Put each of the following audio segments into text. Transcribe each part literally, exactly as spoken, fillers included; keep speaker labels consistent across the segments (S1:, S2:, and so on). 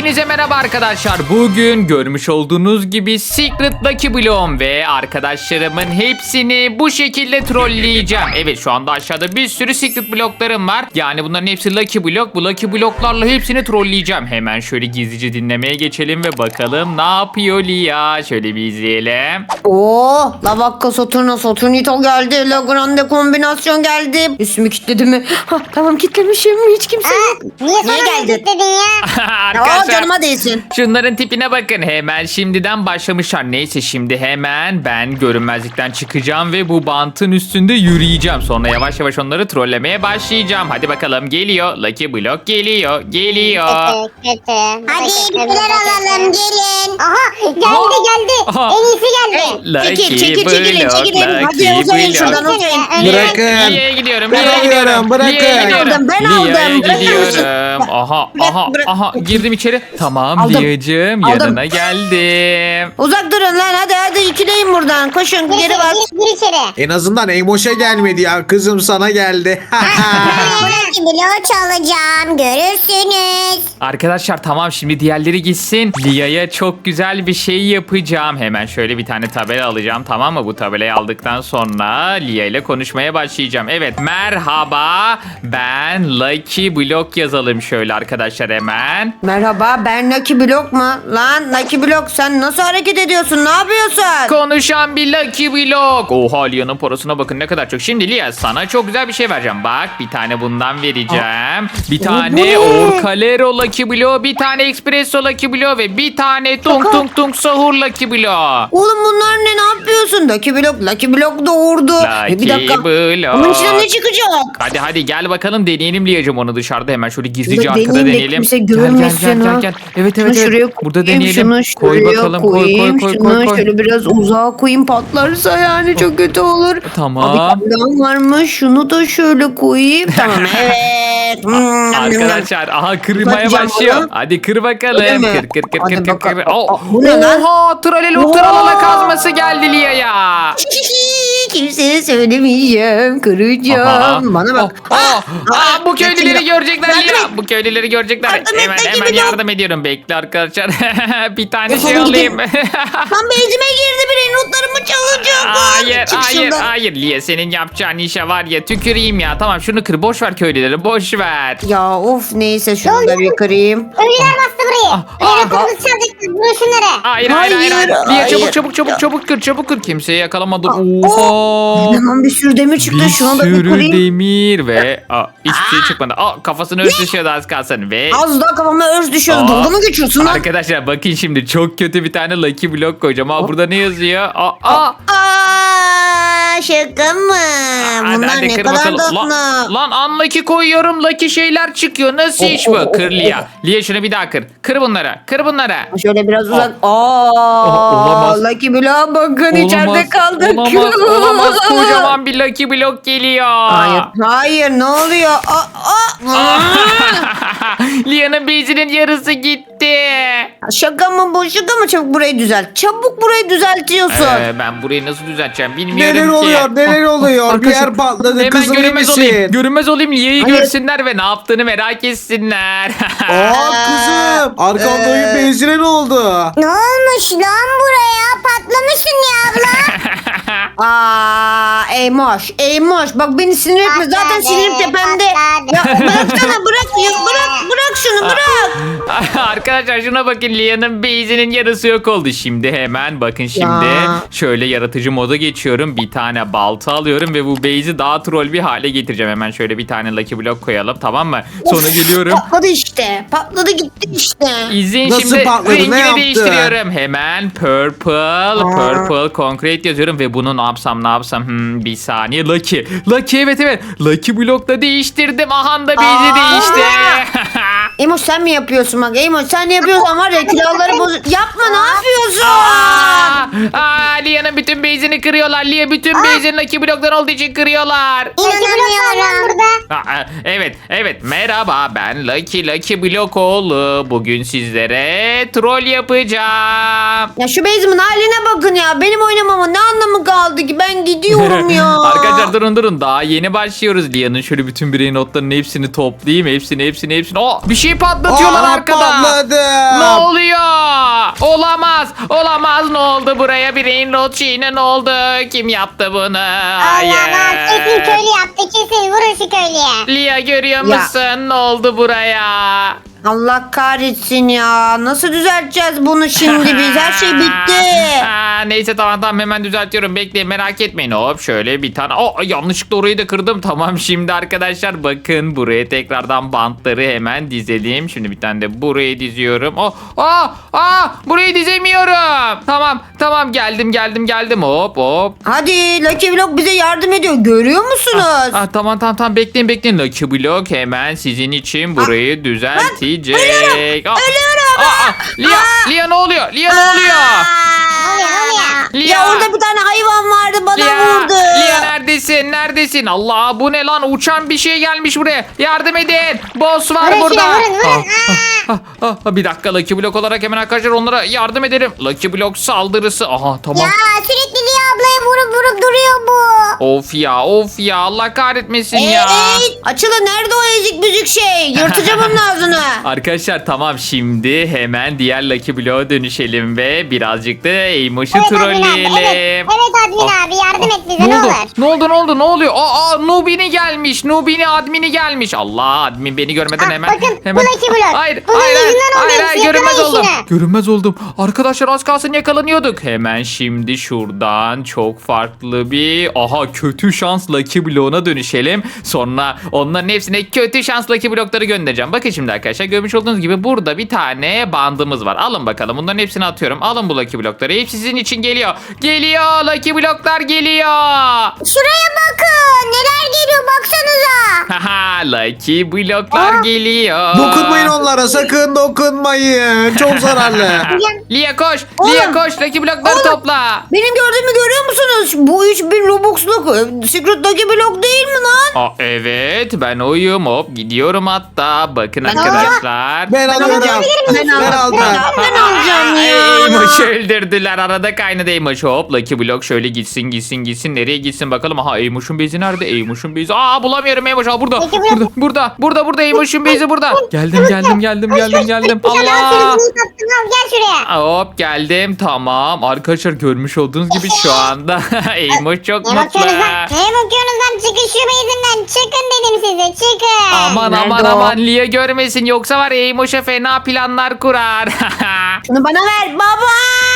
S1: Hepinize merhaba arkadaşlar. Bugün görmüş olduğunuz gibi Secret Lucky Block'um ve arkadaşlarımın hepsini bu şekilde trolleyeceğim. Evet, şu anda aşağıda bir sürü Secret Block'larım var. Yani bunların hepsi Lucky Block. Bu Lucky Block'larla hepsini trolleyeceğim. Hemen şöyle gizlice dinlemeye geçelim ve bakalım ne yapıyor Lia. Şöyle bir izleyelim.
S2: Oo, Lavakka Saturna Saturnito geldi. La Grande kombinasyon geldi. Üstümü kilitledi mi? Ha, tamam kilitlemişim. Hiç kimse yok.
S3: Niye
S2: Niye
S3: sonra
S2: geldin?
S3: kilitledin ya?
S2: Aa,
S1: Arkadaşlar,
S2: canıma değsin.
S1: şunların tipine bakın. Hemen şimdiden başlamışlar. Neyse, şimdi hemen ben görünmezlikten çıkacağım ve bu bantın üstünde yürüyeceğim. Sonra yavaş yavaş onları trollemeye başlayacağım. Hadi bakalım, geliyor. Lucky Block geliyor. Geliyor.
S3: Kötü kötü. Hadi bir şeyler alalım gelin. Aha geldi
S1: Aha.
S3: geldi.
S1: Aha.
S3: En iyisi geldi.
S1: Lucky
S2: Çekil, çekil, çekilin,
S1: Block,
S2: çekilin. Hadi
S1: Lucky
S2: uzayın
S1: Block.
S2: şuradan, uzayın.
S4: Bırakın.
S1: Lia'ya gidiyorum.
S4: Ben
S1: Lia'ya gidiyorum.
S4: alıyorum, bırakın.
S1: Lia'ya gidiyorum.
S2: Ben aldım, ben
S1: Lia'ya
S2: aldım. Bırakın
S1: gidiyorum. Aha,
S2: Bırak,
S1: aha,
S2: bırak.
S1: aha. Girdim içeri. Tamam
S2: Aldım.
S1: Lia'cığım,
S2: Aldım.
S1: yanına geldim.
S2: Uzak durun lan, hadi hadi ikileyin buradan. Koşun
S3: Gir
S2: geri
S3: içeri,
S2: bak.
S3: gir, gir içeri.
S4: En azından Eymoş'a gelmedi ya. Kızım sana geldi.
S3: Buradaki bloğu çalacağım görürsünüz.
S1: Arkadaşlar tamam, şimdi diğerleri gitsin. Lia'ya çok güzel bir şey yapacağım. Hemen şöyle bir tane tabela alacağım, tamam mı? Bu tabelayı aldıktan sonra Lia ile konuşmaya başlayacağım. Evet, merhaba, ben Lucky Block yazalım şöyle arkadaşlar hemen.
S2: Merhaba, ben Lucky Block mu? Lan Lucky Block, sen nasıl hareket ediyorsun? Ne yapıyorsun?
S1: Konuşan bir Lucky Block. Oha, Lia'nın parasına bakın ne kadar çok. Şimdi Lia, sana çok güzel bir şey vereceğim. Bak, bir tane bundan vereceğim. Bir tane
S2: ne?
S1: Orcalero Lucky Block, bir tane Espresso Lucky Block ve bir tane Tung
S2: Şaka.
S1: Tung Tung Sahur Lucky Block.
S2: Oğlum bunlar ne? Ne yapıyorsun? Lucky Block, Lucky Block doğurdu.
S1: Lucky
S2: E, bir dakika.
S1: Block.
S2: Bunun içinden ne çıkacak?
S1: Hadi hadi gel bakalım, deneyelim Liyacım onu dışarıda. Hemen şöyle gizlice
S2: Burada
S1: arkada
S2: deneyeyim de
S1: deneyelim.
S2: kimse
S1: Gel gel
S2: görmesin
S1: gel gel
S2: ha.
S1: gel. Evet
S2: Şunu
S1: evet
S2: şuraya
S1: evet. Burada
S2: koyayım,
S1: deneyelim.
S2: şunu
S1: Koy
S2: şuraya
S1: bakalım, koy koy
S2: koyayım,
S1: koy
S2: şunu
S1: koy koy.
S2: şöyle biraz uzağa koyayım, patlarsa yani çok kötü olur.
S1: Tamam.
S2: Abi kaplan varmış, şunu da şöyle koyayım. Tamam, evet. Hmm,
S1: Arkadaşlar aha, kırmaya
S2: Bakacağım
S1: başlıyor.
S2: ona.
S1: Hadi kır
S2: Öyle
S1: bakalım.
S2: mi?
S1: Kır kır kır
S2: Hadi
S1: kır kır.
S2: bakalım.
S1: kır. Oh.
S2: Aa, bu ne lan?
S1: Oha, tralelo
S2: Oha.
S1: tralala kazması geldi Liya'ya.
S2: Kimseye söylemeyeceğim, kıracağım.
S1: Aha.
S2: Bana bak.
S1: Oh, oh. Aa, bu köylüleri
S2: Lucky
S1: görecekler
S2: Block.
S1: Liya. Bu köylüleri görecekler.
S2: Yardım et,
S1: Hemen
S2: Lucky
S1: hemen
S2: Block.
S1: yardım ediyorum. Bekle arkadaşlar. Bir tane
S2: Defolun
S1: şey
S2: gidin.
S1: alayım.
S2: Lan bezime girdi, biri notlarımı çalacak.
S1: Hayır
S2: Çık
S1: hayır
S2: şuradan.
S1: hayır Liye, senin yapacağın işe var ya, tüküreyim ya. Tamam, şunu kır, boş ver köylüleri, boş ver.
S2: Ya of, neyse şunu da bir kırayım.
S3: Ölüler bastı burayı.
S1: ah.
S3: Öyle kırmızı çalacaklar. Vurun şunları.
S1: Hayır hayır hayır, hayır.
S2: Hayır,
S1: Liye
S2: hayır.
S1: çabuk çabuk çabuk çabuk kır, çabuk kır. Kimseyi yakalamadım. Oha.
S2: Hemen bir sürü demir çıktı,
S1: Bir
S2: şunu da bir
S1: sürü
S2: kırayım.
S1: demir ve aa, hiçbir şey çıkmadı. Aa, kafasını örs düşüyordu az kalsın ve
S2: Az daha kafama örs düşüyor.
S1: Aa.
S2: Dalga mı geçiyorsun lan?
S1: arkadaşlar bakın, şimdi çok kötü bir tane Lucky Block koyacağım. Aa, burada ne yazıyor? Aa, aa.
S2: Aa, şaka mı?
S1: Hadi,
S2: Bunlar
S1: hadi
S2: ne
S1: kır
S2: kadar
S1: bakalım.
S2: tatlı.
S1: Lan, lan unlucky koyuyorum, lucky şeyler çıkıyor. Nasıl
S2: Oh,
S1: iş
S2: oh,
S1: bu?
S2: oh,
S1: Kır
S2: oh,
S1: Lia. Lia, şunu bir daha kır. Kır bunları. Kır bunları.
S2: Şöyle biraz uzak. Aa,
S1: olamaz.
S2: Lucky Block'a bakın, içeride kaldık.
S1: Olamaz. Olamaz. Kocaman bir Lucky Block geliyor.
S2: Hayır, hayır, ne oluyor? Aa, aa.
S1: Lia'nın bezinin yarısı gitti.
S2: Şaka mı bu? Şaka mı? Çabuk burayı düzelt. Çabuk burayı düzeltiyorsun.
S1: Ee, ben burayı nasıl düzelteceğim bilmiyorum
S4: Neler
S1: ki.
S4: oluyor neler oluyor. Bir
S1: Arkadaşlar,
S4: yer patladı.
S1: Hemen
S4: Kızım iyi
S1: görünmez olayım.
S4: misin?
S1: Görünmez olayım. Lia'yı
S2: Hayır.
S1: görsünler ve ne yaptığını merak etsinler.
S4: Aa kızım. Arkanda oyun
S2: Ee.
S4: benzine ne oldu?
S3: Ne olmuş lan buraya? Patlamışsın ya abla.
S2: Aa, Eymoş, Eymoş. Bak beni sinir etme. Zaten
S3: Patladı,
S2: sinirim tepemde. Ya
S3: patladı.
S2: bıraksana, bırak, ya, bırak, bırak şunu, bırak.
S1: Arkadaşlar şuna bakın, Lia'nın base'inin yarısı yok oldu. Şimdi hemen bakın, şimdi
S2: Ya.
S1: şöyle yaratıcı moda geçiyorum. Bir tane balta alıyorum ve bu base'i daha troll bir hale getireceğim. Hemen şöyle bir tane Lucky Block koyalım, tamam mı? Sonra geliyorum.
S2: Patladı işte. Patladı gitti işte.
S1: İzleyin,
S4: Nasıl
S1: şimdi
S4: patladı, ne
S1: rengini
S4: yaptı?
S1: değiştiriyorum. Hemen purple, purple concrete yazıyorum ve bunu ne yapsam ne yapsam hmm, bir saniye. Lucky, Lucky, evet evet. Lucky Block'ta değiştirdim. Aha da base'i
S2: Aa.
S1: değişti.
S2: Eymoş sen mi yapıyorsun bak? Eymoş sen ne yapıyorsan var ya, külahları boz... Yapma, ne yapıyorsun?
S1: Aa, aa, Lia'nın bütün base'ini kırıyorlar. Lia bütün base'ini Lucky Block'tan olduğu için kırıyorlar.
S3: İnanamıyorum burada.
S1: Aa, evet evet, merhaba, ben Lucky Lucky Block oğlu. Bugün sizlere troll yapacağım.
S2: Ya şu base'imin haline bakın ya. Benim oynamamın ne anlamı kaldı ki? Ben gidiyorum ya.
S1: Arkadaşlar durun durun, daha yeni başlıyoruz. Lia'nın şöyle bütün birey notlarının hepsini toplayayım. Hepsini hepsini hepsini. Oh, bir şey patlatıyorlar
S4: Aa,
S1: arkada.
S4: patladı.
S1: Ne oldu buraya? Brain rot şeyine ne oldu? Kim yaptı bunu?
S3: Allah Allah kesin
S1: Hayır.
S3: köylü yaptı kesin vurun şu köylüye.
S1: Lia görüyor
S2: Ya.
S1: musun? Ne oldu buraya?
S2: Allah kahretsin ya. Nasıl düzelteceğiz bunu şimdi biz? Her şey bitti.
S1: Aa, neyse tamam tamam hemen düzeltiyorum. Bekleyin merak etmeyin. Hop şöyle bir tane. Oh, yanlışlıkla orayı da kırdım. Tamam şimdi arkadaşlar bakın buraya tekrardan bantları hemen dizelim. Şimdi bir tane de buraya diziyorum. Oh, aa, aa, burayı dizemiyorum. Tamam tamam geldim geldim geldim. Hop hop.
S2: Hadi Lucky Block bize yardım ediyor. Görüyor musunuz?
S1: Ah, tamam tamam tamam bekleyin bekleyin. Lucky Block hemen sizin için burayı düzeltecek.
S2: ölüyorum,
S1: Ah,
S2: ölüyorum.
S1: ah, ah, Lia, Lia ne oluyor? Lia ne oluyor?
S3: Ne oluyor ne oluyor?
S1: Lia.
S2: Ya orada bir tane hayvan vardı bana
S1: Lia,
S2: vurdu.
S1: Lia neredesin? Neredesin? Allah bu ne lan? Uçan bir şey gelmiş buraya. Yardım edin. Boss var
S3: Vurun
S1: burada.
S3: şuna, vurun, vurun.
S1: Ah, ah, ah, bir dakika Lucky Block olarak hemen arkadaşlar onlara yardım edelim. Lucky Block saldırısı. Aha tamam.
S3: Ya sürekli Lia ablaya vurup vurup duruyor bu.
S1: Of ya of ya Allah kahretmesin ya.
S2: Ey, açılın nerede o ezik büzük şey? Yırtacağım onun ağzını.
S1: Arkadaşlar tamam şimdi hemen diğer Lucky Block'a dönüşelim ve birazcık da Amos'u
S3: Evet admin abi
S1: trolleyelim.
S3: evet. Evet admin
S1: Ah,
S3: abi yardım et bize
S1: Ne
S3: ne
S1: oldu?
S3: olur.
S1: Ne oldu? Ne oldu? Ne oluyor? Aa, aa Nubini gelmiş. Nubini admini gelmiş. Allah admin beni görmeden
S3: Ah,
S1: hemen.
S3: bakın, bu
S1: hemen.
S3: Lucky Block.
S1: Hayır,
S3: Bunun
S1: hayır, hayır,
S3: yüzünden oldu
S1: hayır,
S3: hepsi.
S1: hayır, görünmez
S3: Yakalayın
S1: oldum.
S3: şunu.
S1: Görünmez oldum. Arkadaşlar az kalsın yakalanıyorduk. Hemen şimdi şuradan çok farklı bir aha kötü şans Lucky Block'una dönüşelim. Sonra onların hepsine kötü şans Lucky Block'ları göndereceğim. Bakın şimdi arkadaşlar görmüş olduğunuz gibi burada bir tane bandımız var. Alın bakalım. Bunların hepsini atıyorum. Alın bu Lucky Block'ları. Hepsi sizin için geliyor. Geliyor. Lucky Block'lar geliyor.
S3: Şuraya bakın neler geliyor baksanıza.
S1: Haha Lucky Block'lar
S3: Aa.
S1: geliyor.
S4: Dokunmayın onlara, sakın dokunmayın. Çok zararlı.
S1: Lia koş.
S2: Oğlum.
S1: Lia koş. Lucky Block'ları
S2: Oğlum.
S1: topla.
S2: Benim gördüğümü görüyor musunuz? Bu üç bin Robux'luk e, Secret Lucky Block değil mi lan?
S1: Aa, evet ben oyum hop gidiyorum hatta bakın
S2: Ben
S1: arkadaşlar.
S4: Ben alıyorum.
S2: Ben aldım.
S4: Ben aldım.
S2: Ben alacağım ya.
S1: Eymoş'u öldürdüler arada kaynadı Eymoş hop Lucky Block şöyle gitsin gitsin gitsin nereye gitsin bakalım aha Eymoş'un bezi nerede Eymoş'un bezi aa bulamıyorum Eymoş aa burada
S3: Lucky Block.
S1: burada burada burada burada Eymoş'un bezi burada geldim geldim geldim geldim geldim
S3: Bir tane
S1: Allah
S3: al al gel şuraya.
S1: hop geldim tamam arkadaşlar görmüş olduğunuz gibi şu anda Eymoş çok
S3: Ne
S1: mutlu.
S3: bakıyorsunuz lan? Ne bakıyorsunuz lan? Çıkın şu base'inden. Çıkın dedim size. Çıkın.
S1: Aman
S2: Nerede
S1: aman
S2: o?
S1: aman Lia görmesin yoksa var ya Eymoş'a fena planlar kurar.
S2: Şunu bana ver baba.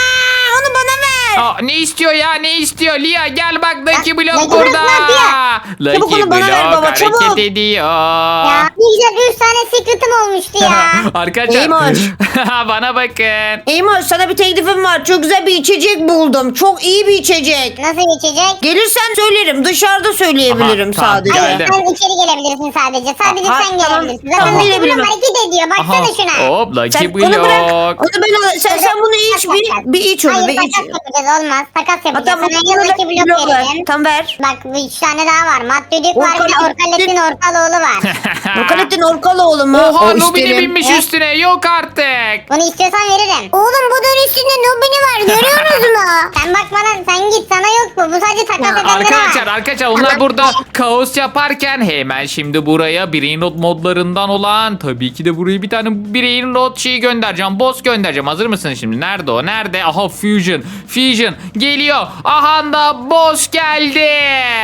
S2: Onu bana ver.
S1: Aa, ne istiyor ya ne istiyor Lia gel bak Lucky Block
S3: Lucky
S1: burada.
S3: Block ne yapıyor?
S2: Çabuk
S1: Lucky
S2: onu bana ver
S1: Block
S2: baba,
S1: hareket
S2: çabuk.
S1: ediyor.
S3: Ya ne güzel üç tane secret'ım olmuştu ya.
S1: Arkadaşlar
S2: Eymoş.
S1: bana bakın.
S2: Eymoş sana bir teklifim var. Çok güzel bir içecek buldum. Çok iyi bir içecek.
S3: Nasıl geçecek?
S2: Gelirsen söylerim. Dışarıda söyleyebilirim
S1: Aha, tamam,
S2: sadece.
S1: gel.
S3: Hayır
S1: Geldim.
S3: sen içeri gelebilirsin sadece. Sadece
S2: Aha,
S3: sen
S2: tamam.
S3: gelebilirsin. Zaten
S2: Tamam,
S3: Lucky
S2: gelebilirim.
S3: Block hareket ediyor. Baksana
S1: Aha,
S3: şuna.
S1: hop Lucky
S2: Sen onu bırak.
S1: Block.
S2: Onu ben al- sen, sen bunu iç bir, bir iç onu
S3: Hayır
S2: bir iç.
S3: takas yapacağız olmaz. Takas
S2: Ha,
S3: yapacağız.
S2: tamam,
S3: Sana
S2: bunu
S3: ya Lucky
S2: Lucky
S3: Block
S2: Block ver.
S3: verelim.
S2: Tam ver.
S3: Bak bu üç tane daha var. Matt Düdük var bir de
S2: Orkalettin-
S3: Orkalettin Orkaloğlu var.
S2: Rokalettin Orkaloğlu mu?
S1: Oha
S2: O
S1: Nubini
S2: isterim.
S1: binmiş
S3: Eh.
S1: üstüne yok artık.
S3: Bunu istiyorsan veririm. Oğlum bu dön üstünde Nubini var görüyorsunuz mu? Sen bakmadan sen git sana yok bu. Bu sadece takas
S2: Ya,
S3: edenlere
S1: Arkadaşlar
S3: var.
S1: arkadaşlar onlar burada kaos yaparken hemen şimdi buraya Brain Rot modlarından olan tabii ki de buraya bir tane Brain Rot şeyi göndereceğim. Boss göndereceğim. Hazır mısın şimdi? Nerede o? Nerede? Aha Fusion. Fusion geliyor. Aha da boss geldi.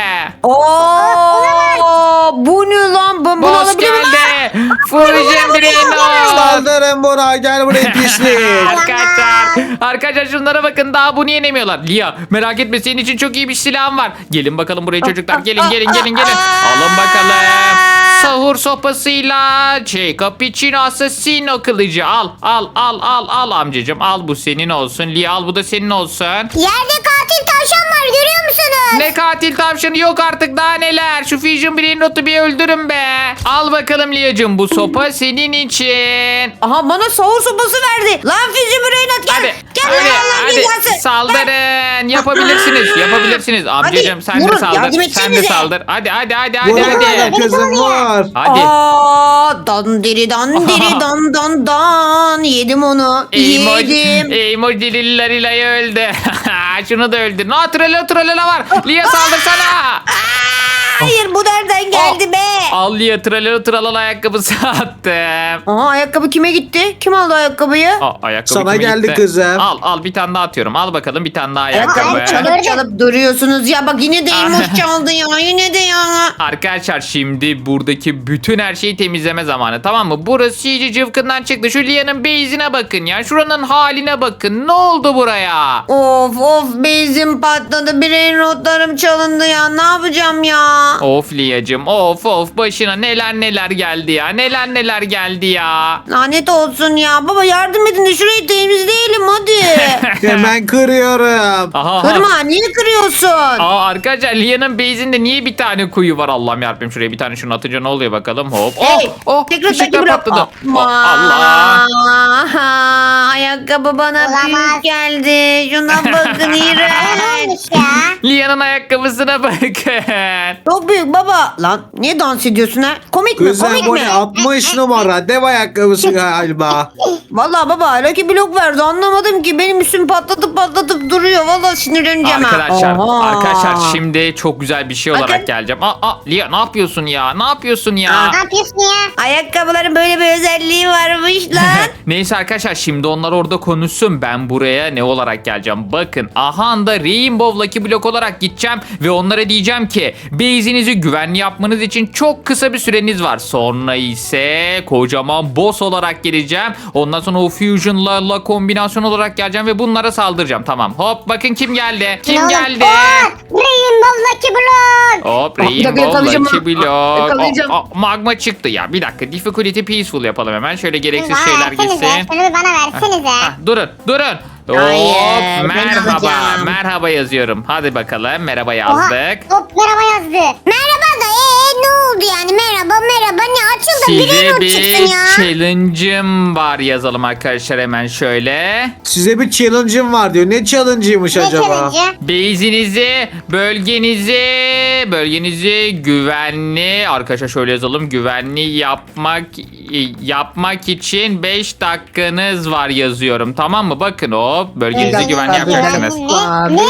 S2: Oo, bu ne lan? Ben bunu
S1: Boss
S2: alabilir miyim?
S1: geldi. Fusion Brain Rot.
S4: Saldırın buna, gel buraya pislik.
S1: Arkadaşlar, arkadaşlar şunlara bakın daha bunu yenemiyorlar. Lia merak etme senin için çok iyi bir silahım var. Gelin bakalım buraya çocuklar. Gelin gelin gelin gelin. Alın bakalım. Sahur sopasıyla şey cappuccino assassino kılıcı al al al al al amcacım al bu senin olsun. Lia al bu da senin olsun.
S3: Yerde katil tavşan var görüyor musunuz?
S1: Ne katil tavşanı yok artık daha neler. Şu Fusion Brain Rot'u bir öldürün be. Al bakalım Lia'cığım bu sopa senin için.
S2: Aha bana sahur sopası verdi. Lan Füzü Brainat gel.
S1: Hadi,
S2: Gel
S1: hadi,
S2: lan Allah
S1: hadi
S2: cezası.
S1: saldırın. Yapabilirsiniz, yapabilirsiniz. Amcacığım sen de
S2: vurun,
S1: saldır.
S2: yardım
S1: Sen de
S2: etsenize.
S1: saldır. Hadi, hadi, hadi, hadi,
S4: Vurun
S1: hadi.
S4: kızım, vur.
S1: Hadi.
S2: Aa, dandiri dandiri
S1: Aha.
S2: dan dan dan. Yedim onu.
S1: Emoji,
S2: Yedim.
S1: emoji lillayı öldü. Şunu da öldür. No, trala trala var. Lia saldırsana.
S2: Hayır bu nereden geldi be?
S1: Al Lia tralala tralala ayakkabısı attım.
S2: Aha ayakkabı kime gitti? Kim aldı ayakkabıyı?
S1: Aa, ayakkabı
S4: Sana
S1: kime
S4: geldi
S1: gitti?
S4: kızım.
S1: Al al bir tane daha atıyorum. Al bakalım bir tane daha
S2: Ayakkabı
S1: ayakkabı.
S3: ayakkabı.
S2: çalıp çalıp duruyorsunuz ya. Bak yine de elmas çaldı ya. Yine de ya.
S1: Arkadaşlar şimdi buradaki bütün her şeyi temizleme zamanı, tamam mı? Burası iyice cıvkından çıktı. Şu Lia'nın base'ine bakın ya. Şuranın haline bakın. Ne oldu buraya?
S2: Of of bezim patladı. Brain rotlarım çalındı ya. Ne yapacağım ya?
S1: Of Lia'cığım, of of, başına neler neler geldi ya. Neler neler geldi ya.
S2: Lanet olsun ya. Baba yardım edin de şurayı temizleyelim hadi.
S4: Hemen kırıyorum.
S1: Aha, aha.
S2: Kırma niye kırıyorsun?
S1: Aa, arkadaşlar Lia'nın base'inde niye bir tane kuyu var? Allah'ım yarabbim, şuraya bir tane şunu atınca ne oluyor bakalım. Hop. Oh,
S2: Hey,
S1: oh,
S2: tekrar
S1: ışıklar
S2: takip bırak.
S1: patladı.
S2: Aman.
S1: Oh, Allah.
S2: Aha, ayakkabı bana
S3: Olamaz.
S2: büyük geldi. Şuna bakın
S3: Ne
S2: iğrenç.
S3: olmuş ya?
S1: Lia'nın ayakkabısına bakın.
S2: Çok büyük baba. Lan niye dans ediyorsun ha? Komik mi?
S4: Kızım
S2: Komik
S4: bu
S2: mi?
S4: ne? altmış numara. Dev ayakkabısı galiba.
S2: Vallahi baba Lucky Block verdi anlamadım ki. Benim üstüm patlatıp patlatıp duruyor. Vallahi sinirleneceğim ha.
S1: Arkadaşlar,
S2: Oha.
S1: arkadaşlar şimdi çok güzel bir şey
S2: Bakın.
S1: olarak geleceğim. Aa, aa, Lia ne yapıyorsun ya? Ne yapıyorsun ya?
S3: Ne yapıyorsun ya?
S2: Ayakkabıların böyle bir özelliği varmış lan.
S1: Neyse arkadaşlar, şimdi onlar orada konuşsun. Ben buraya ne olarak geleceğim? Bakın, aha da Rainbow Lucky Block olarak gideceğim ve onlara diyeceğim ki base'inizi güvenli yapmanız için çok kısa bir süreniz var. Sonra ise kocaman boss olarak geleceğim. Ondan sonra o Fusion'la la kombinasyon olarak geleceğim ve bunlara saldıracağım. Tamam. Hop bakın kim geldi? Kim
S3: Ne oldu?
S1: geldi?
S3: Oo, Rainbow Lucky Block.
S1: Hop,
S2: Aa, bir dakika,
S1: Rainbow
S2: yakalayacağım
S1: Lucky
S2: ha.
S1: Block.
S2: Yakalayacağım.
S1: Aa, aa, magma çıktı ya. Bir dakika. Difficulty peaceful yapalım hemen. Şöyle gereksiz
S3: Bana
S1: şeyler
S3: versenize.
S1: gitsin.
S3: Şunu bir bana versenize.
S1: Ah, durun, durun.
S2: Hayır,
S1: Hop,
S2: ben
S1: merhaba,
S2: alacağım.
S1: merhaba yazıyorum. Hadi bakalım, merhaba
S3: Oha,
S1: yazdık.
S3: hop merhaba yazdı. Merhaba da ee ne oldu yani? Merhaba merhaba ne açıldı? Bir
S1: Size
S3: not
S1: bir
S3: çıksın ya.
S1: challenge'ım var yazalım arkadaşlar hemen şöyle.
S4: Size bir challenge'ım var diyor. Ne challenge'ıymış
S3: Ne
S4: acaba?
S3: challenge?
S1: Base'inizi, bölgenizi, bölgenizi güvenli, arkadaşlar şöyle yazalım. Güvenli yapmak yapmak için beş dakikanız var yazıyorum. Tamam mı? Bakın hop, bölgenizi
S3: dakika,
S1: güvenli
S3: bir
S1: yapacaksınız.
S3: dakika.
S2: Aa,
S3: Ne?
S2: bir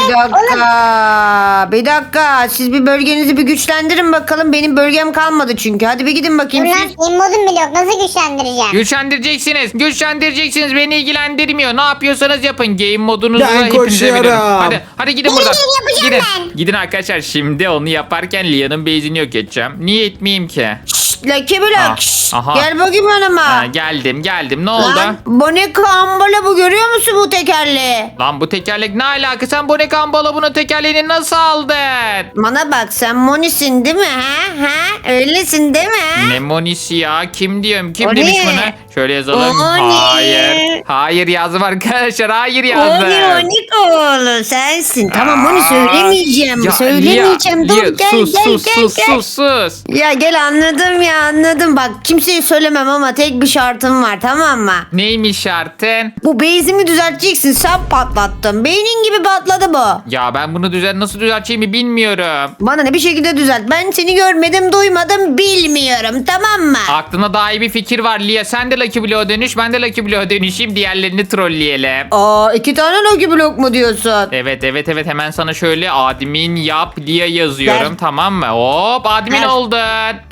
S2: dakika. Bir dakika. Siz bir bölgenizi bir güçlendirin bakalım. Benim bölgem kalmadı çünkü. Hadi bir gidin
S3: Dur
S2: bakayım
S3: lan
S2: siz.
S3: immodum bile yok. Nasıl güçlendireceğim?
S1: Güçlendireceksiniz. Güçlendireceksiniz. Beni ilgilendirmiyor. Ne yapıyorsanız yapın. Game modunuzu
S4: Ben
S1: hepinize
S4: koşuyorum.
S1: veriyorum. Hadi, hadi gidin buradan.
S3: Gidin,
S1: Gidin.
S3: yapacağım ben.
S1: Gidin arkadaşlar. Şimdi onu yaparken Lia'nın base'ini yok edeceğim. Niye etmeyeyim ki?
S2: Şşt, Lucky Block.
S1: Ah,
S2: şşt.
S1: aha.
S2: Gel bakayım yanıma.
S1: Ha, geldim geldim. Ne oldu?
S2: Lan Bonika Ambala bu görüyor musun bu tekerleği?
S1: Lan bu tekerlek ne alaka? Sen bu ne kambala bunun tekerleğini nasıl aldın?
S2: Bana bak sen Moni'sin değil mi ha? Ha? Öylesin değil mi?
S1: Ne monisi ya? Kim diyorum? Kim
S2: O
S1: demiş
S2: ne?
S1: bunu? Şöyle yazalım.
S2: O ne?
S1: Hayır. Hayır yazdım arkadaşlar. Hayır yazdım.
S2: Moni Monikoğlu sensin. Tamam Moni söylemeyeceğim.
S1: Ya,
S2: söylemeyeceğim.
S1: Lia,
S2: Dur
S1: Lia,
S2: gel
S1: sus,
S2: gel
S1: sus,
S2: gel
S1: sus,
S2: gel.
S1: sus, sus.
S2: Ya gel anladım ya anladım. Bak kimseye söylemem ama tek bir şartım var tamam mı?
S1: Neymiş şartın?
S2: Bu base'imi düzelteceksin. Sen patlattın. Beynin gibi patladı bu.
S1: Ya ben bunu düzen nasıl düzelteceğimi bilmiyorum.
S2: Bana ne bir şekilde düzelt. Ben seni görmedim, duymadım, bilmiyorum. Tamam mı?
S1: Aklına daha iyi bir fikir var Lia. Sen de Lucky Block'a dönüş, ben de Lucky Block'a dönüşeyim. Diğerlerini trolleyelim.
S2: Aa iki tane Lucky Block mu diyorsun?
S1: Evet evet evet, hemen sana şöyle admin yap Lia yazıyorum,
S2: Gel.
S1: tamam mı? Hop, admin
S2: Gel.
S1: oldun.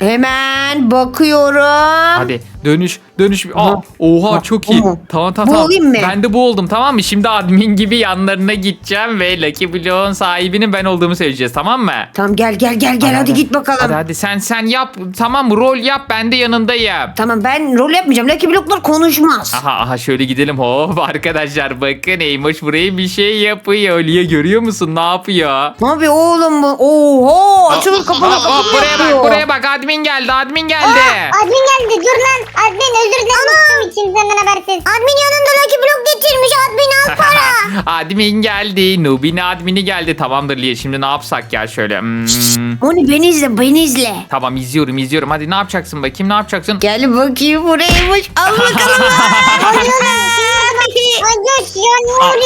S2: Hemen bakıyorum.
S1: Hadi dönüş dönüş. Aa,
S2: Aha.
S1: oha
S2: Aha.
S1: çok iyi.
S2: Aha.
S1: Tamam tamam
S2: Bu
S1: tamam.
S2: olayım mı?
S1: Ben de bu oldum, tamam mı? Şimdi admin gibi yanlarına gideceğim ve Lucky Block'un sahibinin ben olduğumu söyleyeceğiz, tamam mı?
S2: Tamam gel gel gel gel hadi, git bakalım.
S1: Hadi hadi sen sen yap, tamam mı? Rol yap, ben de yanındayım.
S2: Tamam ben rol yapmayacağım. Lucky Block'lar konuşmaz.
S1: Aha aha şöyle gidelim. Hop arkadaşlar bakın, Eymoş buraya bir şey yapıyor. Lia görüyor musun? Ne yapıyor?
S2: Ne yapıyor oğlum bu? Oho açılır kapalı
S1: Hop, hop, buraya bak buraya bak, admin geldi admin geldi.
S3: Aa, admin geldi. Dur lan. Admin özür dilerim. Unuttum için senden habersiz. Admin yanında Lucky Block getirmiş. Admin al para.
S1: Admin geldi. Nubin admini geldi. Tamamdır Lia, şimdi ne yapsak ya şöyle. Hmm.
S2: Onu beni izle beni izle.
S1: Tamam izliyorum izliyorum. Hadi ne yapacaksın bakayım, ne yapacaksın?
S2: Gel bakayım buraymış. Al bakalım.
S3: Ay Coş ya ne oluyorsun?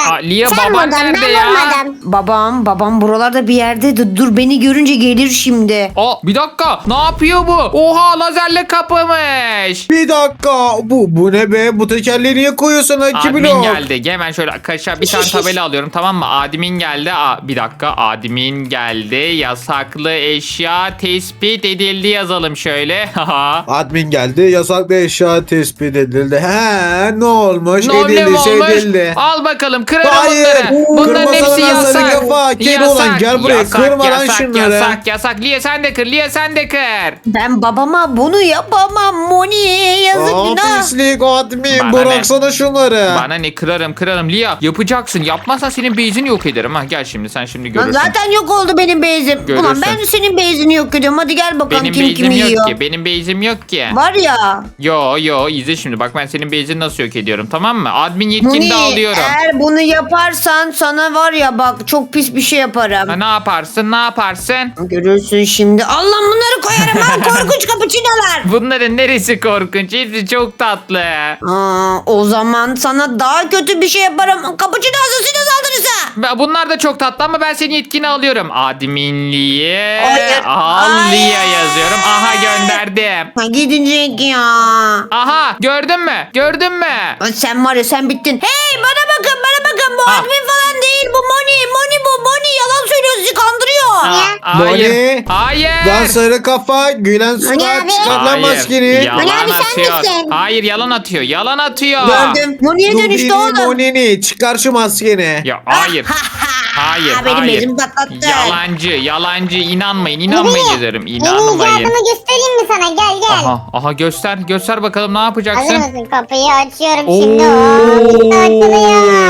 S1: Aa, Lia
S3: Sen
S1: baban
S3: vurdun,
S1: nerede
S3: ben
S1: ya?
S3: vurmadım.
S2: Babam babam buralarda bir yerdeydi. Dur beni görünce gelir şimdi.
S1: Aa, bir dakika, ne yapıyor bu? Oha, lazerle kapamış.
S4: Bir dakika. Bu bu ne be? Bu tekerleği niye koyuyorsun ha? iki
S1: Admin
S4: blok?
S1: geldi. Hemen şöyle kaşa bir tane tabela alıyorum, tamam mı? Admin geldi. Aa, bir dakika, admin geldi. Yasaklı eşya tespit edildi yazalım şöyle. Haha.
S4: Admin geldi. Yasaklı eşya tespit edildi. He, ne olmuş?
S1: Ne oldu, ne
S4: edildi,
S1: olmuş?
S4: edildi.
S1: Al bakalım, kırarım
S4: Hayır.
S1: bunları. Bunların
S4: Kırmasana
S1: hepsi
S4: lan
S1: yasak.
S4: sarı kafa. Kedi olan, gel buraya. Kırma lan
S1: yasak,
S4: şunları.
S1: Yasak yasak. Lia sen de kır. Lia sen de kır.
S2: Ben babama bunu yapamam Moni. Yazık
S4: Aa,
S2: günah.
S4: pislik admin.
S1: Bana
S4: Bıraksana şunları.
S1: Bana ne, kırarım kırarım. Lia yapacaksın. Yapmazsan senin beyzini yok ederim. Ha, gel şimdi sen şimdi
S2: Lan
S1: görürsün.
S2: zaten yok oldu benim bezim.
S1: Görürsün.
S2: Ulan ben senin bezini yok ediyorum. Hadi gel bakalım
S1: Benim
S2: kim
S1: beyzim
S2: kimi
S1: yok
S2: yiyor.
S1: ki. Benim beyzim yok ki.
S2: Var ya.
S1: Yo yo, izle şimdi. Bak ben senin beyzini nasıl yok ediyorum, tamam mı? Admin yetkini
S2: Moni
S1: de alıyorum.
S2: eğer bunu yaparsan sana var ya bak çok pis bir şey yaparım.
S1: Ha, ne yaparsın ne yaparsın?
S2: Görürsün şimdi. Allah bunları koyarım ha korkunç kapıçinolar.
S1: Bunların neresi korkunç? Hepsi çok tatlı.
S2: Aa, o zaman sana daha kötü bir şey yaparım. Kapıçino asasino saldırısı.
S1: Ben- Bunlar da çok tatlı ama ben senin yetkini alıyorum. Adminliğe
S2: Hayır.
S1: al
S2: Hayır.
S1: Lia yazıyorum. Aha, gönderdim.
S2: Ha, gidecek ya.
S1: Aha, gördün mü? Gördün mü?
S2: Ay, sen var ya sen bittin. Hey bana bakın bana bakın. Bu
S1: Ha.
S2: admin falan değil. Bu Moni. Moni bu. Moni yalan söylüyor sizi kandırıyor.
S1: Aa,
S4: Moni.
S1: hayır. Hayır.
S4: Lan sarı kafa. Gülen
S3: Moni
S4: surat.
S3: abi.
S4: Çıkar lan
S1: Hayır.
S4: maskeni.
S1: Yalan
S3: Moni abi sen
S1: atıyor.
S3: misin?
S1: Hayır, yalan atıyor. Yalan atıyor.
S2: Gördüm. Moni'ye dönüştü oğlum.
S4: Monini. Çıkar şu maskeni.
S1: Ya hayır. Hayır,
S2: Ha, benim
S1: hayır.
S2: bezimi patlattı.
S1: Yalancı, yalancı. İnanmayın, inanmayın derim.
S3: Yeni
S1: İnanmayın.
S3: icadımı göstereyim mi sana? Gel gel.
S1: Aha, aha göster, göster bakalım ne
S3: Hazır
S1: yapacaksın?
S3: mısın? Kapıyı açıyorum
S1: Oo.
S3: şimdi. Oo, açılıyor.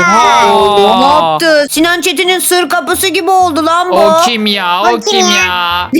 S2: Ne
S1: Aa,
S2: yaptı? Sinan Çetin'in sır kapısı gibi oldu lan bu.
S1: o kim ya? O
S3: O kim
S1: kim
S3: ya?
S1: ya?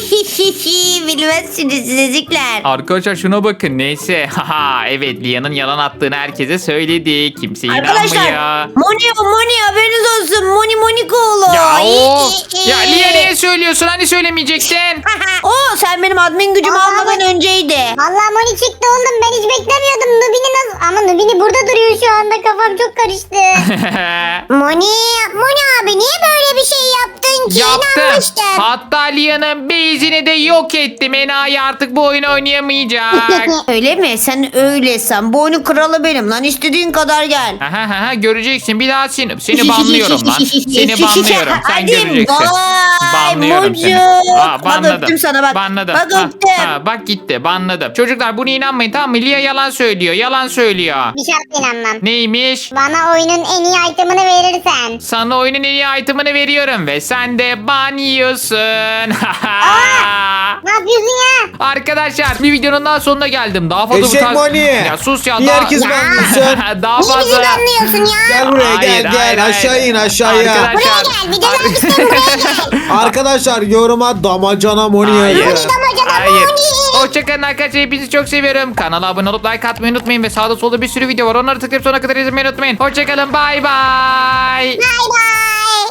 S2: Bilmezsiniz sizecikler.
S1: Arkadaşlar şuna bakın, neyse. Haha, evet, Lia'nın yalan attığını herkese söyledi. Kimse
S2: Arkadaşlar
S1: inanmıyor.
S2: Moni o Moni haberiniz olsun. Moni Monikoğlu.
S1: Ya o. Ya Lia niye söylüyorsun? Hani söylemeyecektin?
S2: O sen benim admin gücümü
S3: Aa,
S2: almadan önceydi.
S3: Vallahi Moni çıktı oğlum. Ben hiç beklemiyordum. Nubini nasıl? Ama Nubini burada duruyor şu anda. Kafam çok karıştı. Moni, Moni abi niye böyle bir şey yaptın ki?
S1: Yaptım.
S3: İnanmıştım.
S1: Hatta Lia'nın base'ini de yok ettim. Enayi artık bu oyunu oynayamayacak.
S2: Öyle mi? Sen öylesin. Bu oyunun kralı benim lan. İstediğin kadar gel.
S1: Aha, aha, göreceksin. Bir daha seni, seni banlıyorum lan. Seni banlıyorum. Sen
S2: Hadi,
S1: göreceksin.
S2: vay,
S1: Banlıyorum seni.
S2: Mucu.
S1: Aa,
S2: Bak öptüm sana bak.
S1: Banladım.
S2: Bak
S1: Ha,
S2: öptüm.
S1: ha, bak gitti. Banladım. Çocuklar buna inanmayın, tamam mı? Lia yalan söylüyor. Yalan söylüyor.
S3: Bir şart inanmam.
S1: Neymiş?
S3: Bana oyunun en iyi itemını verirsen.
S1: Sana oyunun en iyi itemını veriyorum ve sen de ban yiyorsun.
S3: Ne yapıyorsun ya?
S1: Arkadaşlar bir videonun daha sonuna geldim. Daha fazla
S4: Eşek
S1: bu tarz...
S4: Moni.
S1: Ya sus ya.
S4: Niye
S1: daha...
S4: herkes banlıyorsun?
S1: daha
S3: Niye bizi
S1: fazla...
S3: banlıyorsun ya?
S4: Gel buraya
S1: Hayır,
S4: gel gel.
S1: hayır,
S4: Aşağı
S1: hayır.
S4: in aşağıya.
S1: Arkadaşlar-
S3: Buraya gel. Bir de ben istedim buraya gel.
S4: Arkadaşlar yoruma damacana Moni
S1: Hayır.
S4: yazın.
S3: Damacana
S1: Hayır.
S3: Moni.
S1: Hoşçakalın arkadaşlar. Hepinizi çok seviyorum. Kanala abone olup like atmayı unutmayın. Ve sağda solda bir sürü video var. Onları tıklayıp sonuna kadar izlemeyi unutmayın. Hoşçakalın. Bay bay.